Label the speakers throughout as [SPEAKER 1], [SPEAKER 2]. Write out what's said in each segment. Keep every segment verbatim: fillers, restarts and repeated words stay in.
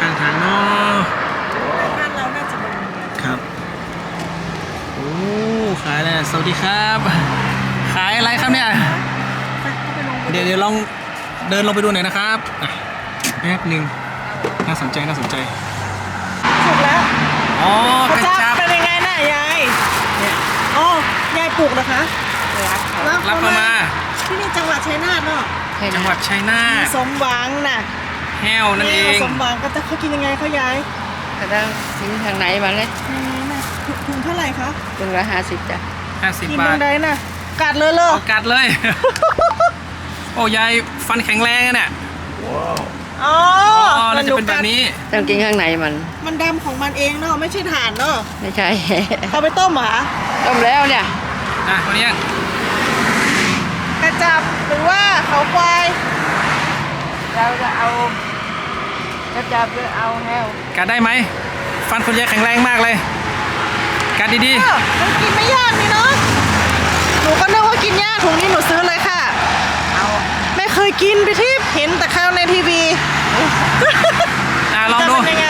[SPEAKER 1] างทางเนาะ
[SPEAKER 2] บ้านเราน่าจะมี
[SPEAKER 1] ครับโอ้ขายอะไรสวัสดีครับขายอะไรครับเนี่ยเดี๋ยวเดี๋ยวลองเดินลงไปดูหน่อยนะครับแป๊บหนึ่งน่าสนใจน่าสนใจ
[SPEAKER 2] ถูกแล้ว
[SPEAKER 1] อ๋อกระ
[SPEAKER 2] จับเป็นยังไงน่ะยายเนี่ยอ๋อยายปลูกนะคะ
[SPEAKER 1] รับรับเข้ามา
[SPEAKER 2] ที่นี่จังหวัดชัยนาทเนาะ
[SPEAKER 1] จังหวัดชัยนาท
[SPEAKER 2] สมหวังน่ะ
[SPEAKER 1] แห้วนั่นเอง
[SPEAKER 2] สมหวังก็จะเขากินยังไงเขายาย
[SPEAKER 3] กระด้างทิ้งทางไหนมาเลย
[SPEAKER 2] ถุงเท่าไหร่คะ
[SPEAKER 3] ถุงละห้าสิบจ้ะ
[SPEAKER 1] ห้าสิบบาท
[SPEAKER 2] กินตรงไหนน่ะกัดเลยเลย
[SPEAKER 1] กัดเลยโอ้ยายฟันแข็งแรงเนี่ย
[SPEAKER 2] อ๋อ
[SPEAKER 1] มันจะเป็นแบบนี้
[SPEAKER 3] ต้องกินข้างในมัน
[SPEAKER 2] มันดำของมันเองเนาะไม่ใช่ถ่านเนาะ
[SPEAKER 3] ไม่ใช่
[SPEAKER 2] เอาไปต้มเหรอ
[SPEAKER 3] ต้มแล้วเนี่ย
[SPEAKER 1] อ่ะคนนี้
[SPEAKER 2] กระจับหรือว่าเขาควาย
[SPEAKER 3] เราจะเอากระจับหรือเอาแห้ว
[SPEAKER 1] กัดได้ไหมฟันคุณยายแข็งแรงมากเลยกัดดี
[SPEAKER 2] ๆมันกินไม่ยากนี่เนาะหนูก็นึกว่ากินยากถุงนี้หนูซื้อเลยค่ะ
[SPEAKER 3] เอา
[SPEAKER 2] ไม่เคยกินไปที่เห็นแต่ข้าวในทีวี
[SPEAKER 1] อ่ะลองดู
[SPEAKER 2] เป็นยังไง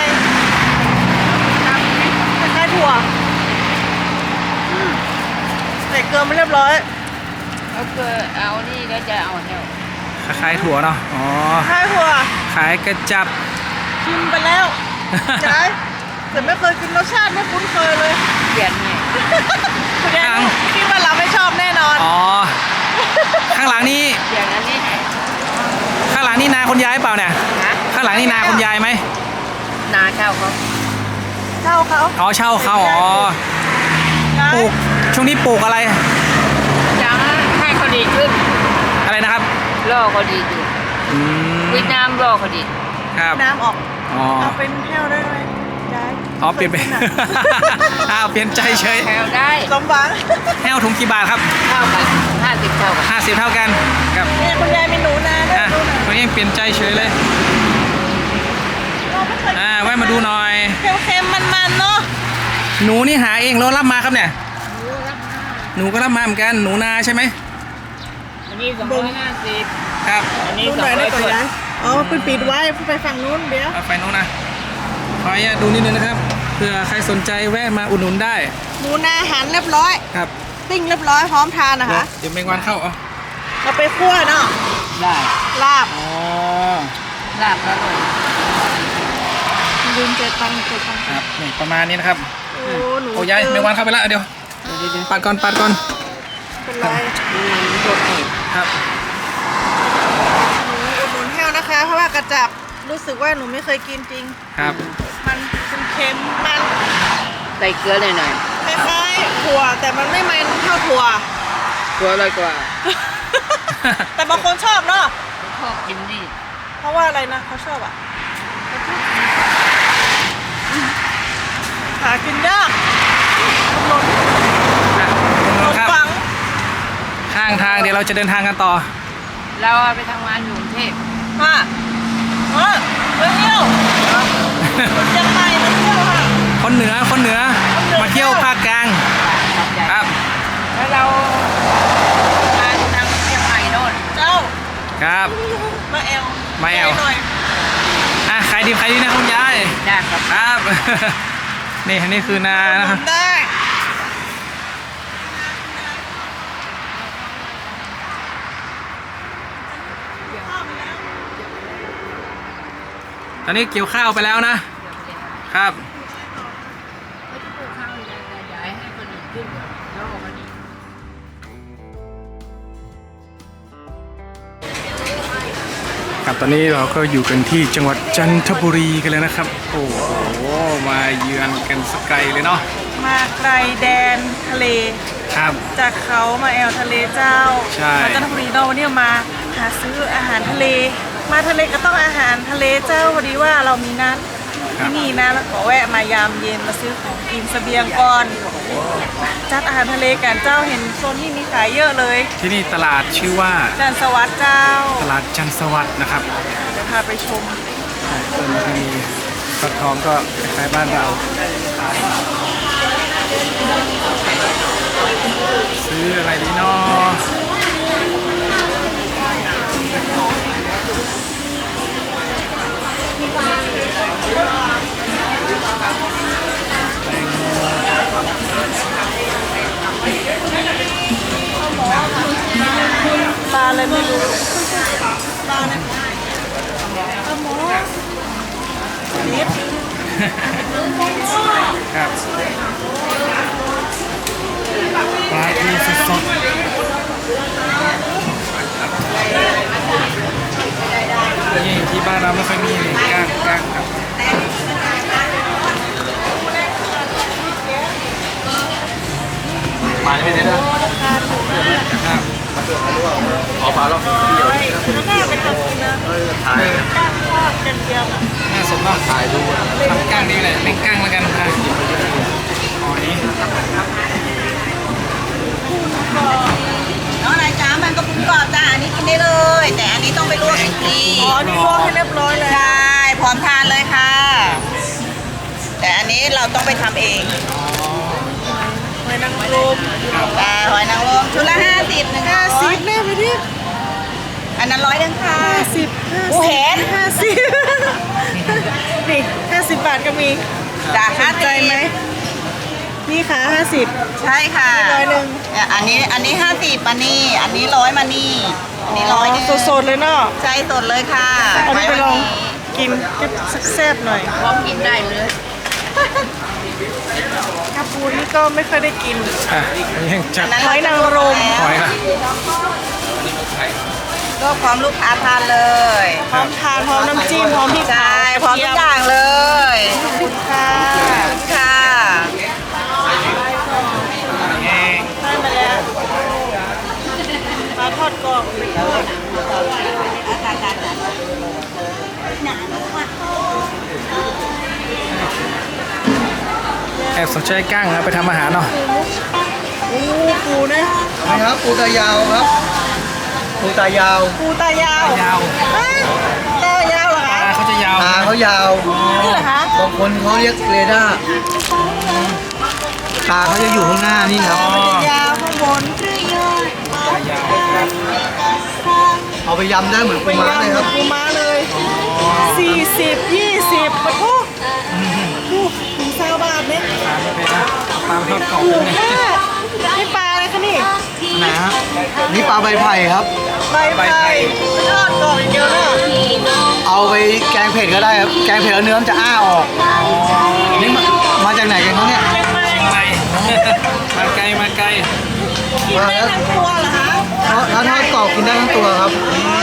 [SPEAKER 2] คล้ายๆถั่วใส่เกลือมาเรียบร้อย
[SPEAKER 3] เอาเกลือเอานี่ก็จะเอาแห้ว
[SPEAKER 1] ขายถั่วเนาะอ๋อ
[SPEAKER 2] ขายถั่ว
[SPEAKER 1] ขายกระจับ
[SPEAKER 2] ชิมไปแล้วใช่แต่ไม่เคยกินรสชาติไม่คุ้นเคยเลย
[SPEAKER 3] เปลี่ยนไง
[SPEAKER 2] คิดว่าเราไม่ชอบแน่นอน
[SPEAKER 1] อ๋อข้างหลังนี่
[SPEAKER 3] เปลี่ยนอันนี้
[SPEAKER 1] ข้างหลังนี่นาคุณยายเปล่าเนี่ยข้างหลังนี่นาคุณยายไหม
[SPEAKER 3] นาเช่าเขา
[SPEAKER 2] เช่าเขา
[SPEAKER 1] อ๋อเช่าเขาอ๋อปลูกช่วงนี้ปลูกอะไร
[SPEAKER 3] ยังให้เขาดีขึ้น
[SPEAKER 1] อะไรนะครับ
[SPEAKER 3] ล่อเขาดีขึ้นวิน้ำล่อเขาดี
[SPEAKER 1] ครับ
[SPEAKER 2] น้ำออกเอาเป็นแห้วได้ไหมยาย
[SPEAKER 1] อ๋อเปลี่ยนไปอ้าวเปลี่ยนใจเฉย
[SPEAKER 3] แห้วได้
[SPEAKER 2] สมหวัง
[SPEAKER 1] แห้วถุงกี่บาทครับ
[SPEAKER 3] เท่ากันห้าสิบเท่ากัน
[SPEAKER 1] ห้าสิบเท่ากันครับ
[SPEAKER 2] เนี่ยคุณยายมีหนูนาด้วย
[SPEAKER 1] คนนี้ยังเปลี่ยนใจเฉยเลยอ่าแวะมาดูหน่อย
[SPEAKER 2] เค็มๆมันๆเนาะ
[SPEAKER 1] หนูนี่หาเองแล้วรับมาครับเนี่ยหนูก็รับมาเหมือนกันหนูนาใช่ไหม
[SPEAKER 3] อันนี้สองร้อยห้าสิบ
[SPEAKER 1] ครับ
[SPEAKER 3] อันนี้สองร้อยสิบ
[SPEAKER 2] อ๋อไปปิดไว้ไปฝั่งนู้นเดี๋ยว
[SPEAKER 1] ไปนู้นนะขออนุญาตดูนิดนึงนะครับเผื่อใครสนใจแวะมาอุดหนุนได้
[SPEAKER 2] หนูนาหั่นเรียบร้อย
[SPEAKER 1] ครับ
[SPEAKER 2] ปิ้งเรียบร้อยพร้อมทานนะคะ
[SPEAKER 1] เดี๋ยวแมงวันเข้าเอา
[SPEAKER 2] เราไปคั่วเนาะ
[SPEAKER 3] ได้
[SPEAKER 2] ลาบ
[SPEAKER 1] อ๋อ
[SPEAKER 3] ลาบแล้วเลย
[SPEAKER 2] ยืนเจ็ดตังเจ็ดตัง
[SPEAKER 1] ครับนี่ประมาณนี้นะครับ
[SPEAKER 2] โอ้หนู
[SPEAKER 1] โอ้ยายแมงวันเข้าไปแล้วเดี๋ยวปัดก่อนปัดก่อน
[SPEAKER 2] เป็นไร
[SPEAKER 1] ครับ
[SPEAKER 2] หนูอุดหนุนแห้วนะคะเพราะว่ากระจับรู้สึกว่าหนูไม่เคยกินจริง
[SPEAKER 1] ครับ
[SPEAKER 2] มันเค็มมัน
[SPEAKER 3] ใส่เกลือหน่อย
[SPEAKER 2] ๆคล้ายๆถั่วแต่มันไม่มันเท่าถั่ว
[SPEAKER 3] ถั่วอร่อยกว่า
[SPEAKER 2] แต่บางคนชอบเนาะ
[SPEAKER 3] ชอบกินนี่
[SPEAKER 2] เพราะว่าอะไรนะเขาชอบอ่ะหากินยากถนน
[SPEAKER 1] ถนนครับข้างทางเดี๋ยวเราจะเดินทางกันต่อ
[SPEAKER 3] เราไปทำงานอยู่กรุงเทพ
[SPEAKER 2] มาเออไปเที่ยวคนเชียงใหม่มาเที่ยวค่ะ
[SPEAKER 1] คนเหนือคนเหนือมาเที่ยวภาคกลางครับ
[SPEAKER 3] แล้วเรามาทางเชียงใหม่โน่น
[SPEAKER 2] เจ้า
[SPEAKER 1] ครับ
[SPEAKER 2] มาแอล
[SPEAKER 1] มาแอลอ่ะใครดีใครดีนะคุณยาย
[SPEAKER 3] ได้ครับ
[SPEAKER 1] ครับนี่อันนี้คือนานะครับ
[SPEAKER 2] ได้
[SPEAKER 1] ตอนนี้เกี่ยวข้าวไปแล้วนะครับครับตอนนี้เราก็อยู่กันที่จังหวัดจันทบุรีกันแล้วนะครับโอ้โหมาเยือนกันสกายเลยเนาะ
[SPEAKER 2] มาไกลแดนทะเล
[SPEAKER 1] ครับ
[SPEAKER 2] จากเขามาแอลทะเลเจ้ามาจันทบุรีเนาะวันนี้มาหาซื้ออาหารทะเลมาทะเลก็ต้องอาหารทะเลเจ้าพอดีว่าเรามีนัดที่นี่นะแล้วขอแวะมายามเย็นมาซื้อของกินเสบียงก่อนจัดอาหารทะเลกันเจ้าเห็นโซนที่มีขายเยอะเลย
[SPEAKER 1] ที่นี่ตลาดชื่อว่า
[SPEAKER 2] จันทร์สวัสดิ์เจ้า
[SPEAKER 1] ตลาดจันทร์สวัสดิ์นะครับ
[SPEAKER 2] เดี๋ยวพาไปชม
[SPEAKER 1] ต้นที่มีฟักทองก็คล้ายบ้านเราซื้ออะไรดีเนาะ
[SPEAKER 2] อะไรไม่รู้ปลาอะไรปลาหมอนิด
[SPEAKER 1] ครับปลาทูสดๆนี่ที่บ้านเราไม่ค่อยมีเลยก้างก้างครับมาไม่ได้นะครับขอปลาแล้ว
[SPEAKER 2] แล้วน่าเป็นตัวกินนะก้างทอดกันเทียมอ่ะ
[SPEAKER 1] น่าสนมากถ่ายดูทำก้างดีแหละเล่นก้างแล้วกันค่ะหอย
[SPEAKER 3] น้องนายจ้ามันก็ปรุงกรอบจ้าอันนี้กินได้เลย แต่อันนี้ต้องไปลวกอีกที
[SPEAKER 2] อ๋อนี่ลวกให้เรียบร้อยเลย
[SPEAKER 3] ใช่พร้อมทานเลยค่ะ แต่อันนี้เราต้องไปทำเอง
[SPEAKER 2] หอยนางรม
[SPEAKER 3] แต่หอยนางรมชุดละห้าสิบหนึ่ง
[SPEAKER 2] ห้า
[SPEAKER 3] ร้
[SPEAKER 2] สิ
[SPEAKER 3] อย
[SPEAKER 2] บแน่ไปดิ
[SPEAKER 3] อันนั้นร้อยเดิงค่ะ
[SPEAKER 2] ห้าสิบห้า
[SPEAKER 3] โอ้
[SPEAKER 2] สิ
[SPEAKER 3] เห็
[SPEAKER 2] บ
[SPEAKER 3] น
[SPEAKER 2] ห้าสิบนี่ห้าสิบบาทก็มี
[SPEAKER 3] จ้า
[SPEAKER 2] ส
[SPEAKER 3] ห้าน
[SPEAKER 2] ใจ
[SPEAKER 3] สิบ
[SPEAKER 2] ไหมนี่ค่ะห้าสิบ
[SPEAKER 3] ใช่ค่ะ
[SPEAKER 2] ร้อยหนึ่ง
[SPEAKER 3] เนี่ยอันนี้อันนี้ห้าสิบมานี่ อันนี้ร้อยมานี่ อันนี้ร้อยหนึ่ง
[SPEAKER 2] สดๆเลยเนาะ
[SPEAKER 3] ใช่สดเลยค่ะ
[SPEAKER 2] อันนี้ไปลอง
[SPEAKER 3] ว้วันนี้
[SPEAKER 2] กินแซ่บๆหน่อย
[SPEAKER 3] พร้อมกินได้เลย
[SPEAKER 2] กระปูนี่ก็ไม่ค่อยได้กิน
[SPEAKER 1] อ่ะยังจัด
[SPEAKER 3] อั
[SPEAKER 2] หอยนางรม
[SPEAKER 1] หอยละ
[SPEAKER 3] ก็พร้อมลูกค้าทานเลย
[SPEAKER 2] พร้อมทานพร้อมน้ำจิ้มพร้อมพริก
[SPEAKER 3] ใช่พร้อมทุกอย่างเลย
[SPEAKER 2] ค่ะ
[SPEAKER 3] ค่ะ
[SPEAKER 2] ได้มาแล้วปลาทอดกรอบไปทอด
[SPEAKER 1] แอบสนใจก้างนะไปทำอาหารเนาะ
[SPEAKER 2] โอ้ปูนะ
[SPEAKER 4] นะครับปูตายาวครับปูตายาว
[SPEAKER 2] ปูตายาวย
[SPEAKER 1] าว
[SPEAKER 2] เอ้ยตายาวเหรอ
[SPEAKER 1] ตา
[SPEAKER 2] คะ
[SPEAKER 1] เขาจะยาว
[SPEAKER 4] ตาเขายาว
[SPEAKER 2] นี่เหรอคะ
[SPEAKER 4] บางคนเขาเรียกเรดาร์ตาเขาจะอยู่ข้างหน้านี่ครับ
[SPEAKER 2] ยาวข้างบน
[SPEAKER 4] เอาไปยำได้เหมือนปูม้าเลยครับ
[SPEAKER 2] ปูม้าเลยสี่สิบยี่สิบปะทุกดูถึงเซาบาทเนี่ย
[SPEAKER 1] ทานไม่เป็นนะปลาทอดกรอบ
[SPEAKER 2] ถู
[SPEAKER 1] เล
[SPEAKER 2] ก
[SPEAKER 1] ย
[SPEAKER 2] มากนี่ปลาอะไรคะนี่
[SPEAKER 4] นะฮะนี่ปลาใบไผ่ครับ
[SPEAKER 2] ใบไผ่ทอดกรอบอย่างเดียวเนาะ
[SPEAKER 4] เอาไปแกงเผ็ดก็ได้ครับ แกงเผ็ดแล้วเนื้อมันจะอ้าออกนี่มามาจากไหนกันเขาเนี่ย
[SPEAKER 2] เป็นไง
[SPEAKER 1] ไก่มาไกลมาไกล
[SPEAKER 2] กินได้ทั้งตัวเหรอคะ
[SPEAKER 4] เพราะถ้าทอดกรอบกินได้ทั้งตัวครับ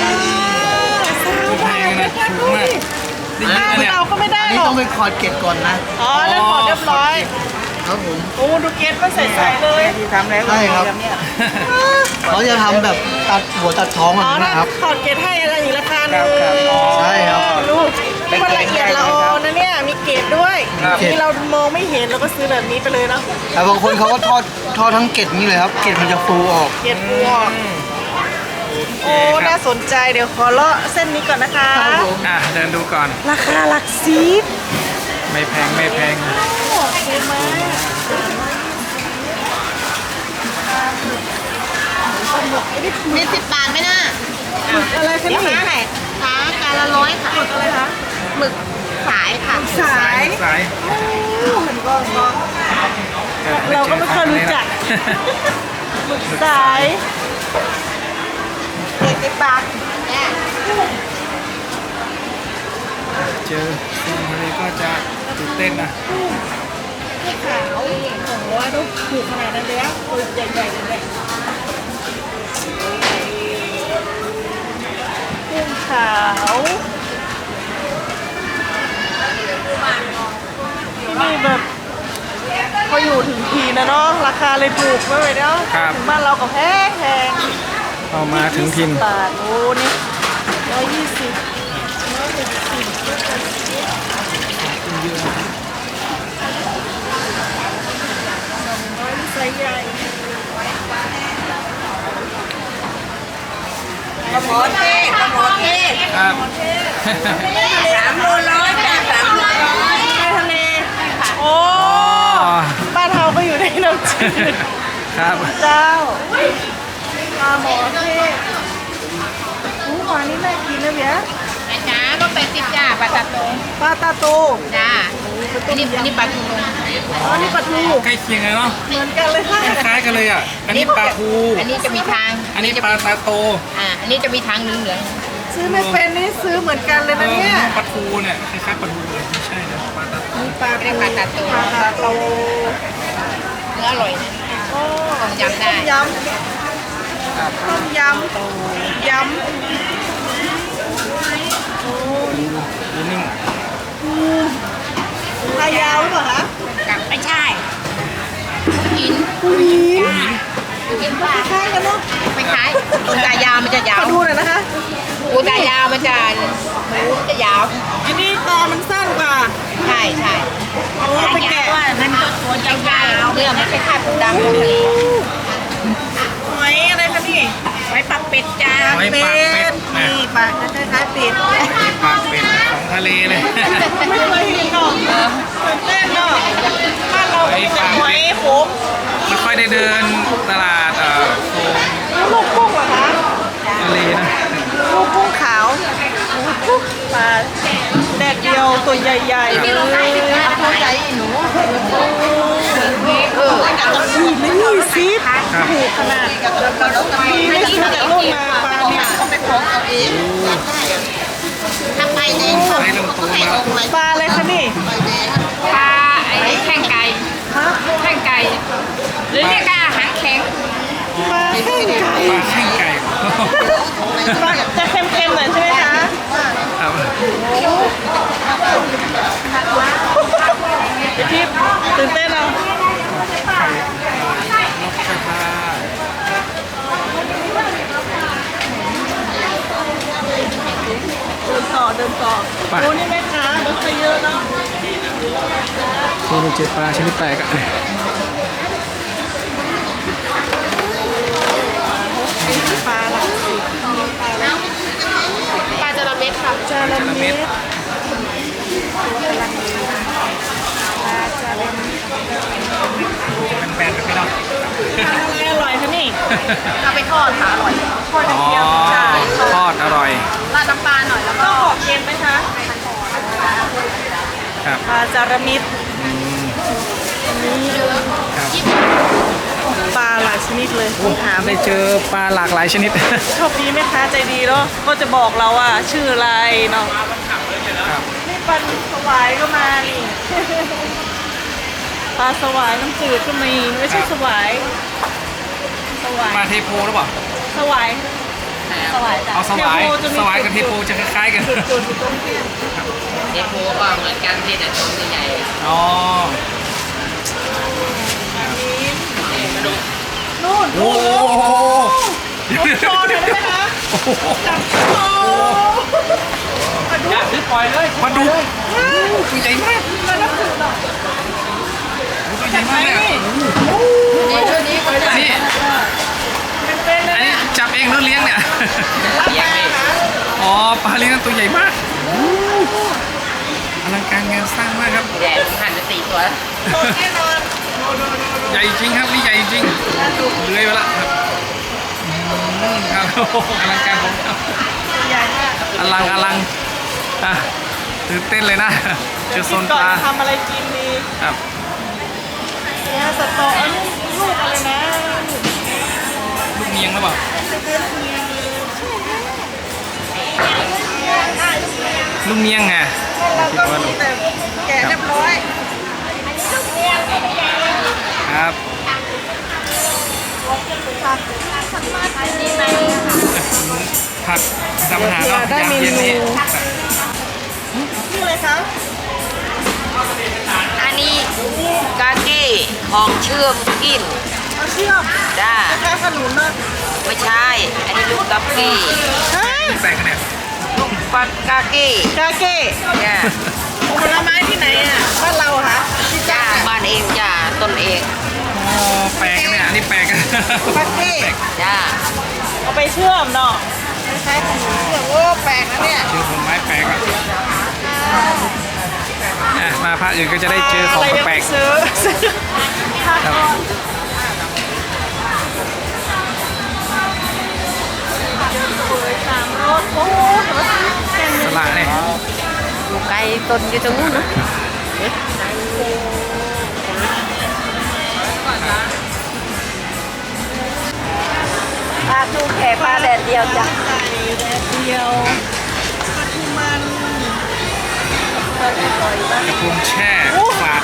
[SPEAKER 1] แพงนะถูกมากได้
[SPEAKER 2] อ้าว
[SPEAKER 1] ยินเนี่ย
[SPEAKER 2] เราก็ไม่ได้
[SPEAKER 4] อัน
[SPEAKER 2] ห
[SPEAKER 4] นี้
[SPEAKER 2] รอก
[SPEAKER 4] ต้องไปขอดเกล็ดก่อนนะ
[SPEAKER 2] อ๋อนั่นขอเรียบร้อย
[SPEAKER 4] ครับผม
[SPEAKER 2] โอ้ดูเกล็ดมันใสๆเลย
[SPEAKER 3] ทำแล้ว
[SPEAKER 4] ใช่ครับ เขาจะทำแบบตัดหัวตัดท้องแบบ
[SPEAKER 2] อ๋อ
[SPEAKER 4] นี้
[SPEAKER 2] นั่น
[SPEAKER 4] นะครับ
[SPEAKER 2] ขอดเกล็ดให้อะไรอีกราคาหนึ่ง
[SPEAKER 4] ใช่ครับ
[SPEAKER 2] ลูกมันละเอียดละออนะเนี่ยมีเกล็ดด้วย
[SPEAKER 4] ครับ
[SPEAKER 2] ที่เรามองไม่เห็นเราก็ซื้อแบบนี้ไปเลยเนาะ
[SPEAKER 4] แต่บางคนเขาก็ทอดทอดทั้งเกล็ดนี่เลยครับ เกล็ดมันจะฟูออก
[SPEAKER 2] เกล็ดบัวโอ้น่าสนใจเดี๋ยวขอเลาะเส้นนี้ก่อนนะคะ
[SPEAKER 4] ครับผม
[SPEAKER 1] อ่ะเดินดูก่อน
[SPEAKER 2] ราคาหลักสิบ
[SPEAKER 1] ไม่แพงไม่แพง
[SPEAKER 2] โอเคมาก
[SPEAKER 3] มีสิบบาทไหมน่ะ
[SPEAKER 2] อะไรคะ
[SPEAKER 3] เดี๋ยว
[SPEAKER 2] นี่
[SPEAKER 3] ค้าให้ค้าการละร้อยค่ะ
[SPEAKER 2] อะไรคะ
[SPEAKER 3] หมึกสายค่ะ
[SPEAKER 2] สาย
[SPEAKER 1] สาย
[SPEAKER 2] เราก็ไม่เคยรู้จักหมึกสาย
[SPEAKER 3] เจ็ดสิบบาทเนี่ย
[SPEAKER 1] เจอซีนทะเลก็จะตื่นเต้นนะ
[SPEAKER 2] นี่ขาวโอ้โหดูถูกขนาดนั้นเลยอะตัวใหญ่ๆเลยเนี่ยกุ้งขาวที่นี่แบบพออยู่ถึงทีนะเนาะราคาเลยถูกไม่ไหวเนาะ
[SPEAKER 1] ครับ
[SPEAKER 2] ถึงบ้านเราก็แพงแพง
[SPEAKER 1] เอามาถึงพิน
[SPEAKER 2] ยี่สิบบาทโอ้นี่ร้อยยี่สิบร้อยหกสิบร้อยไซส์ใหญ่
[SPEAKER 3] ปลาหมอเทศปลาหมอเทศ
[SPEAKER 1] ครับ
[SPEAKER 3] สามโลร้อยจ้ะสามโลร้อย
[SPEAKER 2] ในทะเลโอ้บ้านเราก็อยู่ในน้ำจืด
[SPEAKER 1] ครับ
[SPEAKER 2] เจ้าปลาหมอเทศอู้หวานนี่น่ากินนะเบีย
[SPEAKER 3] จ้าก็เป็นสิบจ้าปลาตาโต
[SPEAKER 2] ปลาตาโต
[SPEAKER 3] จ้า
[SPEAKER 2] โอ้
[SPEAKER 3] อันนี้อันนี้ปลาทู
[SPEAKER 2] อ๋อนี่ปลาทู
[SPEAKER 1] ใกล้เคียงเลยเนาะ
[SPEAKER 2] เหมือนกันเลยค่ะ
[SPEAKER 1] คล้ายๆกันเลยอ่ะอันนี้ปลาทู
[SPEAKER 3] อันนี้จะมีทาง
[SPEAKER 1] อันนี้ปลาตาโต
[SPEAKER 3] อ่าอันนี้จะมีทางเหลือง
[SPEAKER 2] ซื้อไม่เป็นนี่ซื้อเหมือนกันเลยนะเนี่ย
[SPEAKER 1] ปลาทูเนี่ยคล้ายๆปลาทูเลยไม่ใช่นะปลาตาโต
[SPEAKER 2] มีปลา
[SPEAKER 3] ๆเรียกปลาตาโต
[SPEAKER 2] ปลาตาโต
[SPEAKER 3] เนื้ออร่อยนะ
[SPEAKER 2] โอ้
[SPEAKER 3] ต้มยำได้
[SPEAKER 2] ต้มยำต้มยำยำ
[SPEAKER 1] ดูนิ่ง
[SPEAKER 2] ปลายาวหรือเปล่าคะ
[SPEAKER 3] กับไม่ใช่กิน
[SPEAKER 2] ปูหิน
[SPEAKER 3] กินปลา
[SPEAKER 2] คล้ายกันเนาะ
[SPEAKER 3] ไม่คล้ายปูตายาวมันจะยาว
[SPEAKER 2] ขอดูหน่อยนะคะ
[SPEAKER 3] ปูตายาวมันจะหมูจะยาว
[SPEAKER 2] อันนี้ตามันสั้นกว่า
[SPEAKER 3] ใช่ใช่
[SPEAKER 2] เอาไปแกะ
[SPEAKER 3] มันก็ตัวยาวๆเนื้อมันคล้ายๆปูดำ
[SPEAKER 2] หอยอะไรคะนี่
[SPEAKER 3] ไว้ปักเป็ดจ้า
[SPEAKER 1] ไว้ปากเป็ดนะ
[SPEAKER 2] นี่ปากคล้ายๆเป็ด
[SPEAKER 1] ปากเป็ดของทะเลเลย
[SPEAKER 2] ไม่เคยเห็นหรอกตื่นเต้นเนาะบ้านเรามีแต่หอยขม
[SPEAKER 1] ไม่ค่อยได้เดินตลาดเอ่อโซน
[SPEAKER 2] ลูกกุ้งเหรอคะ
[SPEAKER 1] ทะเลนะ
[SPEAKER 2] ลูกกุ้งขาวปลาแดดเดียวตัวใหญ่ๆเลย
[SPEAKER 3] เข้าใจหนูเออ
[SPEAKER 2] นี่ไม่มีซิปถูกขนาดมีไม่ซื้อจากรุ่นมาปลาเนี่ย
[SPEAKER 3] ไปของเอาเองทำไมเนี่ย
[SPEAKER 1] ให้ลงตัวมา
[SPEAKER 2] ปลาอะไรคะนี่
[SPEAKER 3] ปลาไอ้แข้งไก่
[SPEAKER 2] ฮะ
[SPEAKER 3] แข้งไก่หรือเรียกอาหารแข็ง
[SPEAKER 2] ปลาแข้งไก่
[SPEAKER 1] ปลาแข้งไก่
[SPEAKER 2] ปลาจะเค็มๆหน่อยใช่ไหมคะ
[SPEAKER 1] ครับ
[SPEAKER 2] พี่ทิพย์ตื่นเต้นเอา
[SPEAKER 1] นกกระทา
[SPEAKER 2] เดินต่อเดินต่อโอ้นี่แม่ค้ารถไฟเยอะเนาะ
[SPEAKER 1] ดูเจอปลาชนิดแปลกอ่ะ
[SPEAKER 2] ปลาหลักสิบ
[SPEAKER 3] ปลาจระเม็ดค่ะ
[SPEAKER 2] จาระเม็ด
[SPEAKER 1] แบนๆไปไม่ต้อง
[SPEAKER 2] ทานอะไรอร่อยคะนี่
[SPEAKER 3] เอาไปทอดค่ะอร่อย
[SPEAKER 2] ทอดกระ
[SPEAKER 1] อ๋อ
[SPEAKER 2] เทียมใช่
[SPEAKER 1] ทอดอร่อย
[SPEAKER 3] ราดน้ำปลาหน่อยแล้ว
[SPEAKER 2] ก็
[SPEAKER 3] ก็
[SPEAKER 2] ขอเค็มไหมคะ
[SPEAKER 1] ครับ
[SPEAKER 2] ปลาจาระเม็ด
[SPEAKER 1] อืม
[SPEAKER 2] นี่
[SPEAKER 1] ครับ
[SPEAKER 2] ปลาหลายชนิดเลยหา
[SPEAKER 1] ได้
[SPEAKER 2] ไม่
[SPEAKER 1] เจอปลาหลากหลายชนิด
[SPEAKER 2] โชคดีแม่ค้าใจดีเนาะก็จะบอกเราว่าชื่ออะไรเนาะ
[SPEAKER 1] ครับ
[SPEAKER 2] นี่ปลาสวายก็มานี่ ปลาสวายน้ำจืดก็มีไม่ใช่สวายสวาย
[SPEAKER 1] ปลาเทโพหรือเปล่า
[SPEAKER 2] สวายสวายจ้ะ
[SPEAKER 1] เอาสวาย
[SPEAKER 2] เทโพจะมี
[SPEAKER 1] สวายกับเทโพจะคล้ายๆกัน
[SPEAKER 2] จุดๆอยู่ตรงที่
[SPEAKER 3] เด็กโมก็เหมือนกันที่แต่ตัวใหญ่
[SPEAKER 1] อ๋อ
[SPEAKER 2] นู่น
[SPEAKER 1] โอ้โห
[SPEAKER 2] ผมโชว์หน่อยได้ไหมคะจับโชว์มาดู
[SPEAKER 1] อย่าซื้อปล่อยเลยมาดูตัวใหญ่มาก
[SPEAKER 2] มานับถือหน่อย
[SPEAKER 1] ตัวใหญ่มากเลยอะ
[SPEAKER 3] ในช่วงนี้ก็จะ
[SPEAKER 1] นี่
[SPEAKER 2] เป็นๆ
[SPEAKER 1] อั
[SPEAKER 2] นะ
[SPEAKER 1] นนี้
[SPEAKER 2] เนี่ย
[SPEAKER 1] จับเองหรือเลี้ยงเนี่ย
[SPEAKER 2] รับมาหา
[SPEAKER 1] อ๋อปลาเลี้ยงตัวใหญ่มากอลังการงานสร้างมากครับ
[SPEAKER 3] แดดหันไปสี่ตัว
[SPEAKER 2] สดแน่นอน
[SPEAKER 1] ใหญ่จริงครับนี่ใหญ่จริงเลื้อยไปละครับอืมครับโอ้โหอลังการผมครับ
[SPEAKER 2] ใหญ่มาก
[SPEAKER 1] อลังอลังอ่ะตื่นเต้นเลยนะเจอโซน
[SPEAKER 2] ก่
[SPEAKER 1] ป
[SPEAKER 2] อน
[SPEAKER 1] ลา
[SPEAKER 2] จะทำอะไรกินดี
[SPEAKER 1] ครับ
[SPEAKER 2] เนี่ยสตออันนี้ลูกอะไรนะ
[SPEAKER 1] ลูกเมียงหรือเปล่าลูกเมียงไง
[SPEAKER 2] เรา
[SPEAKER 1] คิด
[SPEAKER 2] ก็
[SPEAKER 1] ว่า
[SPEAKER 2] มีแต่แกะเรียบร้อย
[SPEAKER 1] ครับ ผักทำอาหารเนาะยามเย็นนี้
[SPEAKER 2] นี่เลยคะ
[SPEAKER 3] อันนี้กาเก้ของเชื่อมกิน
[SPEAKER 2] เอาเชื่อม
[SPEAKER 3] จ้า
[SPEAKER 2] แค่ขนุนนะ
[SPEAKER 3] ไม่ใช่ อันนี้ลูกกาเก้
[SPEAKER 2] ฮะ
[SPEAKER 1] แตกเนี่ย
[SPEAKER 3] ลูกปัดกาเก้
[SPEAKER 2] กาเก้
[SPEAKER 3] จ้า
[SPEAKER 2] ผลไม้ที่ไหนอ่ะบ้านเราเหรอคะที่
[SPEAKER 3] จ้า
[SPEAKER 2] จ้า
[SPEAKER 3] บ้านเองจ้าต้นเอง
[SPEAKER 1] อ๋อแปลกเนี่ยอันนี้แปลก
[SPEAKER 2] กาเก้
[SPEAKER 3] จ้า
[SPEAKER 2] เอาไปเชื่อมเนาะคล้ายๆขนุนเชื่อมโอ้แปลกนะเนี่ย
[SPEAKER 1] เจอผลไม้แปลกอ่ะอ่ะมาภาคอื่นก็จะได้เจอของ
[SPEAKER 2] ะไรยัง
[SPEAKER 1] แปล
[SPEAKER 2] ไม่
[SPEAKER 1] ก
[SPEAKER 2] ซื้อซื้อผ้า
[SPEAKER 1] ครับ
[SPEAKER 2] ก้อนสวยสามรสโอ้โหแค่
[SPEAKER 1] ๆส
[SPEAKER 2] นี้
[SPEAKER 1] ละเนี่ย
[SPEAKER 3] ลูกไก่ต้นอยู่ตรงนู้นนะ
[SPEAKER 2] น
[SPEAKER 3] าทูแผ่ปลาแดดเดียวจ้ะ
[SPEAKER 2] ไก่แดดเดียวปลาทูมันปลาทูปล่อยบ้าง
[SPEAKER 1] กระพุ้งแช่ฝาด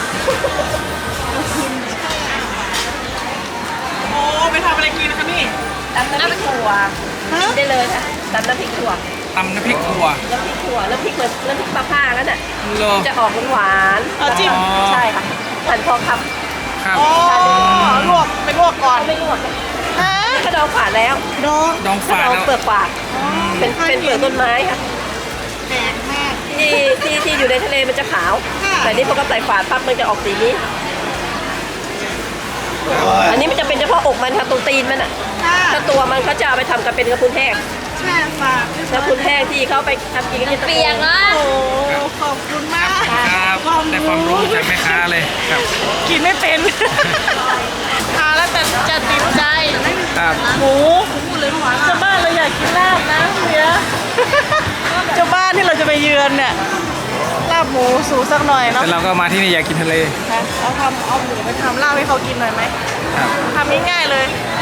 [SPEAKER 2] โอ้ไปทำอะไรกินนะคะนี่
[SPEAKER 3] ตำน้ำพริกถั่วกินได้เลยค่ะตำน้ำพริกถั่ว
[SPEAKER 1] ตำน้ำพริกถั่ว
[SPEAKER 3] น้ำพริกถั่วน้ำพริกเหมือนน้ำพริกปลาผ้างั้นน่ะ
[SPEAKER 1] โล
[SPEAKER 3] จะออกหวานๆ
[SPEAKER 2] เอาจิ้ม
[SPEAKER 3] ใช่ค่ะหั่นพอค
[SPEAKER 1] ครับ
[SPEAKER 2] อ๋อลวกไปลวกก่อน
[SPEAKER 3] ำไม่ลวก
[SPEAKER 2] ฮะ
[SPEAKER 3] กระดองฝาดแล้ว
[SPEAKER 2] ดอง
[SPEAKER 1] ดอง
[SPEAKER 3] กระ
[SPEAKER 1] ฝาด
[SPEAKER 3] ดอง
[SPEAKER 1] แล้ว
[SPEAKER 3] เปลือกฝาดเป็นเป็นเปลือกต้นไม้ค่ะ
[SPEAKER 2] แปลกมาก
[SPEAKER 3] ที่ที่ที่อยู่ในทะเลมันจะขาว
[SPEAKER 2] ค่ะ
[SPEAKER 3] แต่นี่พอก็ใส่ฝาดปั๊บมันจะออกสีนี้ อันนี้มันจะเป็นเฉพาะอกมันค่ะตรงตีนมันอ่ะ
[SPEAKER 2] ค่ะ
[SPEAKER 3] ถ้าตัวมันเขาจะเอาไปทำกันเป็นกระพุ้นแห้ง
[SPEAKER 2] แช่ฝาก
[SPEAKER 3] กระพุ้นแห้งที่เขาไปทำกินกันที่ตะโกน
[SPEAKER 2] โอ้ขอบคุณมาก
[SPEAKER 1] ครับได้ความรู้จากแม่ค้าเลยครับ
[SPEAKER 2] กินไม่เป็น ทานแล้วแต่จะติดใจ
[SPEAKER 1] ครับ
[SPEAKER 2] หมูเจ้าบ้านเราอยากกินลาบนะเฮียเจ้าบ้านที่เราจะไปเยือนเนี่ยลาบหมูสูสักหน่อยเนาะ
[SPEAKER 1] แต่เราก็มาที่นี่อยากกินทะเล
[SPEAKER 2] เอาทำเอาหมูไปทำลาบให้เขากินหน่อยไหม
[SPEAKER 1] ครับ
[SPEAKER 2] ทำง่ายๆเลย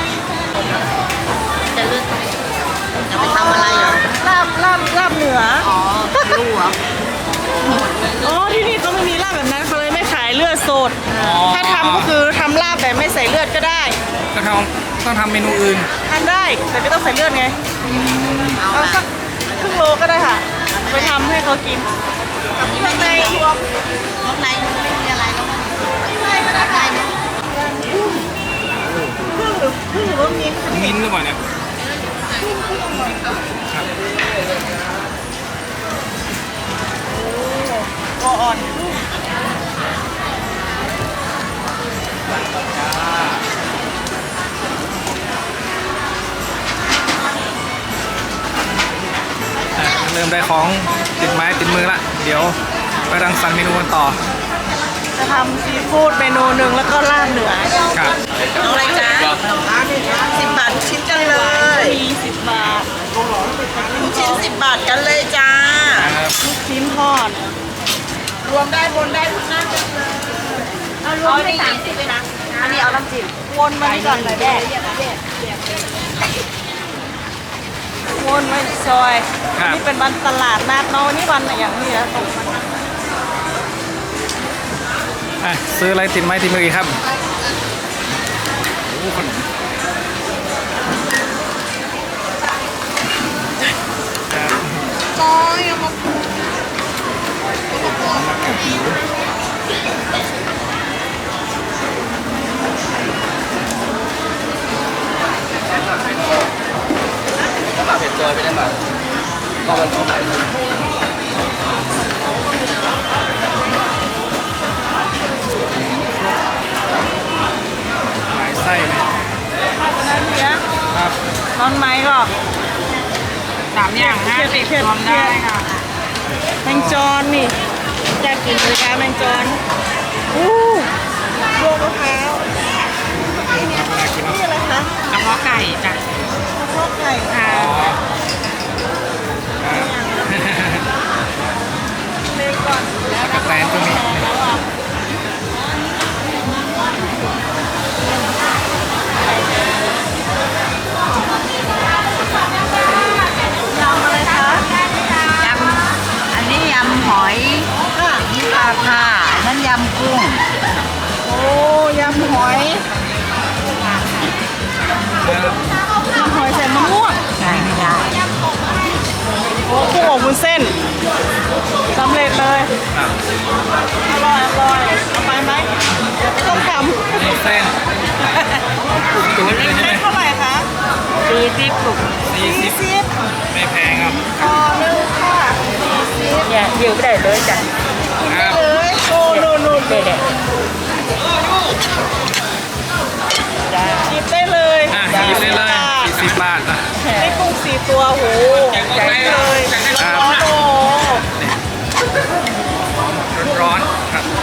[SPEAKER 3] จะไปทำอะไรเหรอ
[SPEAKER 2] ลาบลาบลาบเหนือ
[SPEAKER 3] อ๋อรู้เหรอ
[SPEAKER 2] อ๋อที่นี่เขาไม่มีลาบแบบนั้นเขาเลยไม่ขายเลือดสด
[SPEAKER 1] อ๋อ
[SPEAKER 2] ถ้าทำก็คือทำลาบแบบไม่ใส่เลือดก็ได้
[SPEAKER 1] ก็ทำต้องทำเมนูอื่น
[SPEAKER 2] ทานได้แต่ไม่ต้องใส่เลือดไงเอาสักครึ่งโลก็ได้ค่ะ ไปทำให้เขากินข้างในรวม
[SPEAKER 3] ข้างในมันไม่มีอะไรแล้ว
[SPEAKER 2] ข้างในก็ได้ค่ะครึ่งหรือครึ่งหรือว่ามี
[SPEAKER 1] มิ้นท์หรือเปล่าเนี่ยครับ
[SPEAKER 2] โออ่อน
[SPEAKER 1] อ่ะเริ่มได้ของติดไม้ติดมือละ เดี๋ยวไปรังสรรค์เมนูกันต่อ
[SPEAKER 2] จะทำซีฟู้ดเมนูหนึ่งแล้วก็ลาบเหนือ
[SPEAKER 1] ครับ
[SPEAKER 2] เอาอะไรจ๊ะสิบบาททุกชิ้นกันเลยมีสิบบาททุกชิ้นสิบบาทกันเลยจ้า
[SPEAKER 1] ครับ
[SPEAKER 2] ลูกชิ้นทอด รวมได้บนได้ทุกหน้ากันเลย
[SPEAKER 3] เอารวมไปสามสิบเลยนะ อันนี้เอาน้ำจิ้ม
[SPEAKER 2] วนมาที่ก่อนเลยแม่วนไว้ซอย
[SPEAKER 1] ครับ
[SPEAKER 2] นี่เป็นวันตลาดนัดเนาะวันนี้วันอะไรอย่างนี้นะตรง
[SPEAKER 1] อ่ะซื้ออะไรติดไม้ติดมืออีกครับโอ้ขนมครับ
[SPEAKER 2] ซอยเอามา
[SPEAKER 4] เผ็ดจอยไปได้ป่ะก็มันของไหน
[SPEAKER 1] หลายไส้เลย
[SPEAKER 2] ถ้าจะนั้นเนี้ย
[SPEAKER 1] ครับ
[SPEAKER 2] นอนไหมก็
[SPEAKER 3] สามอย่างห้าสิบรวมได้ค่ะ
[SPEAKER 2] แมงจอนนี่อยากกินเลยค่ะแมงจอนอู้รวมมะพร้าว
[SPEAKER 1] เวลากินเนาะ
[SPEAKER 2] นี่อะไรคะ
[SPEAKER 3] กระเพาะไก่จ้ะ
[SPEAKER 2] กระเพาะไก่
[SPEAKER 3] ค่ะ
[SPEAKER 1] อ๋ออ่า
[SPEAKER 2] เลยก่อน
[SPEAKER 1] กระแตนก็มี
[SPEAKER 2] ยำอะไรคะ
[SPEAKER 3] ยำอันนี้ยำหอย
[SPEAKER 2] ค่ะ
[SPEAKER 3] นี่ปลาค่ะนั่นยำกุ้ง
[SPEAKER 2] โอ้ยำหอยยำหอยใส่มะม่วง
[SPEAKER 3] ใช่ไม่ได้
[SPEAKER 2] โอ้กุ้งอบวุ้นเส้นสำเร็จเลย
[SPEAKER 1] ครับ
[SPEAKER 2] อร่อยอร่อยเอาไปไหมเดี๋ยวไปต้มยำ
[SPEAKER 1] มีเส้นตุ๋นเลยใช่ไหม
[SPEAKER 2] เท่าไหร่คะ
[SPEAKER 3] สี่สิบกุก
[SPEAKER 1] สี่สิบ
[SPEAKER 2] สิบ
[SPEAKER 1] ไม่แพงครับ
[SPEAKER 2] ต่อหนึ่งค่ะสี่สิบ
[SPEAKER 3] เนี่ยเดี๋ยวไม่ได้เลยจ้ะ
[SPEAKER 1] ครับ
[SPEAKER 2] เลยโอ้นู่นนู่น
[SPEAKER 3] เด็ดจ้า
[SPEAKER 2] หยิบได้เลย
[SPEAKER 1] อ่ะหยิบได้เลยสี่สิบบาทอ่ะ
[SPEAKER 2] ได้กุ้งสี่ตัวโหใหญ่เลย
[SPEAKER 1] ครับ
[SPEAKER 2] ร้อนๆโอ้
[SPEAKER 1] ร้อนๆครับ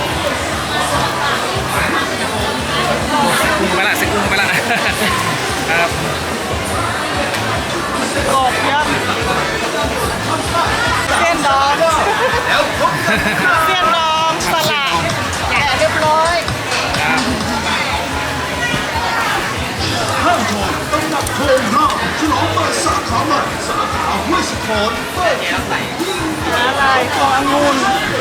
[SPEAKER 1] กุ้งไปละซื้อกุ้งไปละครับ
[SPEAKER 2] กบเยอะเส้นดองเส้นดองสลัดแกะเรียบร้อย
[SPEAKER 1] ครับ
[SPEAKER 2] ต้องท
[SPEAKER 5] โครงห้าฉลองเปิดสาขาใหม่สาขาห้วยสะพอน
[SPEAKER 2] อะไรขององุ่น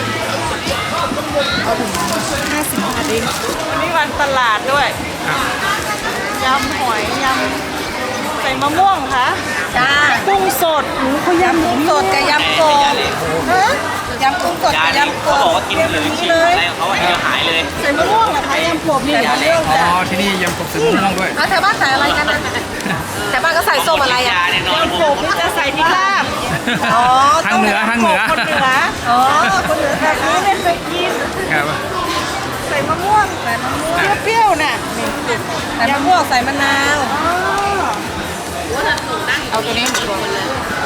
[SPEAKER 2] ห้าสิบบาทเองวันนี้วันตลาดด้วย
[SPEAKER 1] ครับ
[SPEAKER 2] ยำหอยยำใส่มะม่วงค่ะ
[SPEAKER 3] จ้า
[SPEAKER 2] กุ้งสดหนูเขายำ
[SPEAKER 3] กุ้งสดกับยำกบฮะยำกุ้งสดกับยำก
[SPEAKER 6] เขาบอก
[SPEAKER 3] บ
[SPEAKER 6] ว่ากินเลยชิมอะไรของเขาอ่ะเดียวหายเลย
[SPEAKER 2] ใส่มะม่วงเหรอคะยำกบนี่
[SPEAKER 3] ใส่มะม่วง
[SPEAKER 1] อ๋
[SPEAKER 3] จ้ะ
[SPEAKER 1] อที่นี่ยำกบใส่มะม่วงด้วย
[SPEAKER 3] แล้วแถวบ้านใส่อะไรกันนะแถวบ้านก็ใส่ส้มอะไรอ่ะ
[SPEAKER 6] ยาเนี่ยนอน
[SPEAKER 2] ยำกบนี่จะใส่พริกลาบ
[SPEAKER 3] อ๋อ
[SPEAKER 1] ทางเหนือทางเหนือ
[SPEAKER 2] คนเหนือ
[SPEAKER 3] อ๋อคนเหนือ
[SPEAKER 2] แบบนี้ไม่เคยกิน
[SPEAKER 1] ครับ
[SPEAKER 2] ใส่มะม่วงใส่มะม่วงเปรี้ยวๆน่ะ
[SPEAKER 3] ใส่มะม่วงใส่มะนาว
[SPEAKER 2] อ๋อ
[SPEAKER 3] เอาตัวนี้หมดตัวเลย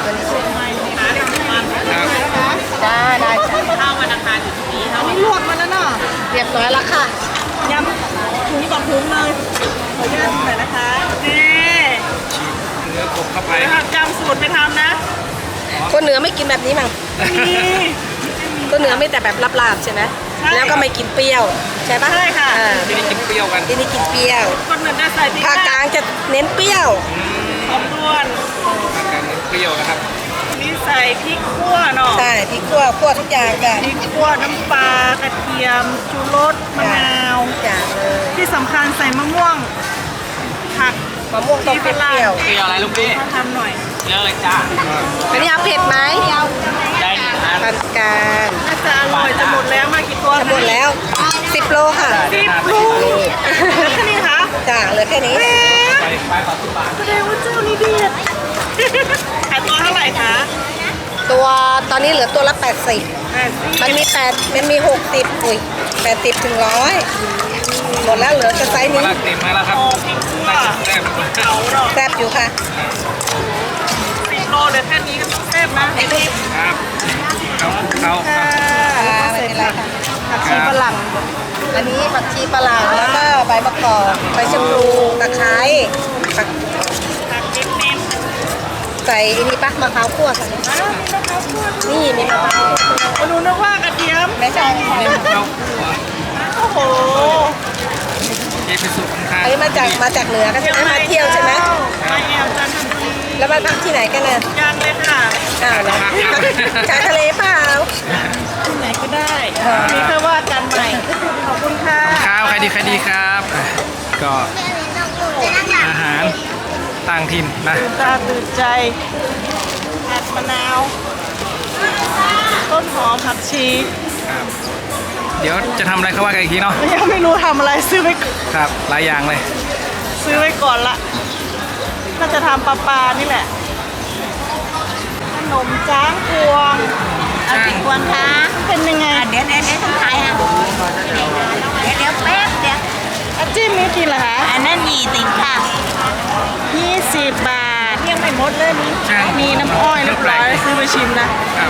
[SPEAKER 1] ครับ
[SPEAKER 3] จ้าได้จ้ะ
[SPEAKER 6] ข้าววันอังคารอยู่ที่นี่
[SPEAKER 2] อันนี้ลวกมาแล้วเนาะ
[SPEAKER 3] เรียบร้อยแล้วค่ะ
[SPEAKER 2] ยำถุงต่อถุงเลยขออนุญาตหน่อยนะคะนี่
[SPEAKER 1] เนื้อกบเข้าไป
[SPEAKER 2] ไปทำยำสูตรไปทำนะ
[SPEAKER 3] คนเหนือไม่กินแบบนี้มั้ง
[SPEAKER 2] นี่
[SPEAKER 3] คนเหนือไม่แต่แบบลาบๆใช่ไหม
[SPEAKER 2] ใช่
[SPEAKER 3] แล้วก็ไม่กินเปรี้ยวใช่ปะ
[SPEAKER 2] ใช่ค่ะ
[SPEAKER 3] อ่า
[SPEAKER 1] ที่นี่กินเปรี้ยวกัน
[SPEAKER 3] ที่นี่กินเปรี้ยว
[SPEAKER 2] คนเหนือจะใส่พริก
[SPEAKER 3] ภาคกลางจะเน้นเปรี้ยว
[SPEAKER 2] หอมด้วน
[SPEAKER 1] ทางการเน้นเปรี้ยวนะครับ
[SPEAKER 2] นี่ใส่พริกขั่วเนาะ
[SPEAKER 3] ใช่พริกขั่วขั่วทุกอย่างจ้ะ
[SPEAKER 2] พริกขั่วน้ำปลากระเทียมชูรสมะนาว
[SPEAKER 3] ทุกอย่างเลย
[SPEAKER 2] ที่สำคัญใส่มะม่วงผัก
[SPEAKER 3] มะม่วงต้องเปรี้ยว
[SPEAKER 6] เกี่ยวอะไรลูกพี่
[SPEAKER 2] มาทำหน่อย
[SPEAKER 6] เยอะเลยจ้า
[SPEAKER 3] ๆอันนี้เอาเผ็ดไหม
[SPEAKER 6] ได้หนึ่งอัน
[SPEAKER 3] ปานกลาง
[SPEAKER 2] น่าจะอร่อยจะหมดแล้วมากี่ตัว
[SPEAKER 3] จะหมดแล้วสิบโลค่ะ
[SPEAKER 2] สิบลูกแค่นี้คะ
[SPEAKER 3] จ้าเหลือแค่นี้
[SPEAKER 1] ไปไปขอสิบบาท
[SPEAKER 2] แสดงว่าเจ้านี้เด็ดขายตัวเท่าไหร่คะ
[SPEAKER 3] ตัวตอนนี้เหลือตัวละแปดสิบ
[SPEAKER 2] แปดสิบ
[SPEAKER 3] มันมีแปดมันมีหกสิบอุ้ยแปดสิบถึงร้อยหมดแล้วเหลือจะไซส์
[SPEAKER 1] มา
[SPEAKER 3] นี้
[SPEAKER 1] ละเต็มมาแล้วครับ
[SPEAKER 2] โอ้พริกขั่ว
[SPEAKER 1] น่าจะแซ่บ
[SPEAKER 2] เอาเนาะ
[SPEAKER 3] แซ่บอยู่ค่ะ
[SPEAKER 2] สิบโลเหลือแค่นี้ก็ต้องแซ่บนะนี่
[SPEAKER 1] ครับเขาเขา
[SPEAKER 2] ค่ะ
[SPEAKER 3] อ่าไม่เป็นไรค่ะ
[SPEAKER 2] ผักชีฝรั่ง
[SPEAKER 3] อันนี้ผักชีฝรั่งแล้วก็ใบมะกอกใบชะพลูตะไคร้ผัก
[SPEAKER 2] ผักเน้น
[SPEAKER 3] ใส่อันนี้ปะมะพร้าวคั่วค่ะ
[SPEAKER 2] ๆอ้าวมีมะพร้าวคั่วด้วย
[SPEAKER 3] นี่มีมะพร้าว
[SPEAKER 2] มาดูนึกว่ากระเทียม
[SPEAKER 3] ไม่ใช่
[SPEAKER 1] เน้นเขา
[SPEAKER 2] โอ้โห
[SPEAKER 1] เอพิสุของทาง
[SPEAKER 3] อันนี้มาจากมาจากเหนือกันใช่ไหมมาเที่ยวใช่ไหม
[SPEAKER 2] มาแอวจันทบุรี
[SPEAKER 3] แล้วมาพักที่ไหนกันน่ะ
[SPEAKER 2] ยังเลยค่ะ
[SPEAKER 3] อ้าวนะชายทะเลเปล่า
[SPEAKER 2] ที่ไหนก็ได้มีแค่ว่ากันใหม่ ขอบคุณค่ะ
[SPEAKER 1] ข้าวใครดีใครดีครับ ก็อาหารต่างถิ่นนะ
[SPEAKER 2] ตื่นตาตื่นใจผัดมะนาว ต้นหอมผักชี
[SPEAKER 1] ครับเดี๋ยวจะทำอะไรเขาว่ากันอีกทีเนาะ
[SPEAKER 2] ยังไม่รู้ทำอะไรซื้อไว้
[SPEAKER 1] ครับหลายอย่างเลย
[SPEAKER 2] ซื้อไว้ก่อนละน่าจะทำปลาปลานี่แหละ ขนมจ้างพวง
[SPEAKER 1] จ้าง
[SPEAKER 2] พวงคะเป็นยังไง
[SPEAKER 3] เดี๋ยวเดี๋ยวเดี๋ยวต้องถ่ายอ่ะเดี๋ยวเดี๋ยวแป๊บเดี๋ยว
[SPEAKER 2] อาจิ้มนี่กี่เหรอคะ
[SPEAKER 3] อันนั้นยี่สิบค่ะ
[SPEAKER 2] ยี่สิบบาทยังไม่หมดเลยมี
[SPEAKER 1] จ้าง
[SPEAKER 2] มีน้ำอ้อยเรียบร้อยซื้อไปชิมนะ
[SPEAKER 1] ครับ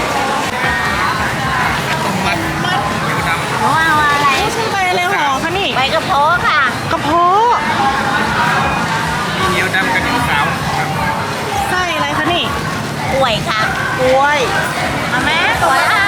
[SPEAKER 1] ต้มมัดเดี๋ยวดำ
[SPEAKER 3] หนูเอาอะไร
[SPEAKER 2] ไม่ใช่ใบอะไรหอคะนี่
[SPEAKER 3] ใบกระเพาะค่ะ
[SPEAKER 2] กระเพาะ
[SPEAKER 1] มีเหนียวดำกับเหนียวขาวครับ
[SPEAKER 2] ไส้อะไรคะนี่
[SPEAKER 3] กล้วยค่ะ
[SPEAKER 2] กล้วย
[SPEAKER 3] เอาไหมตัวละห้า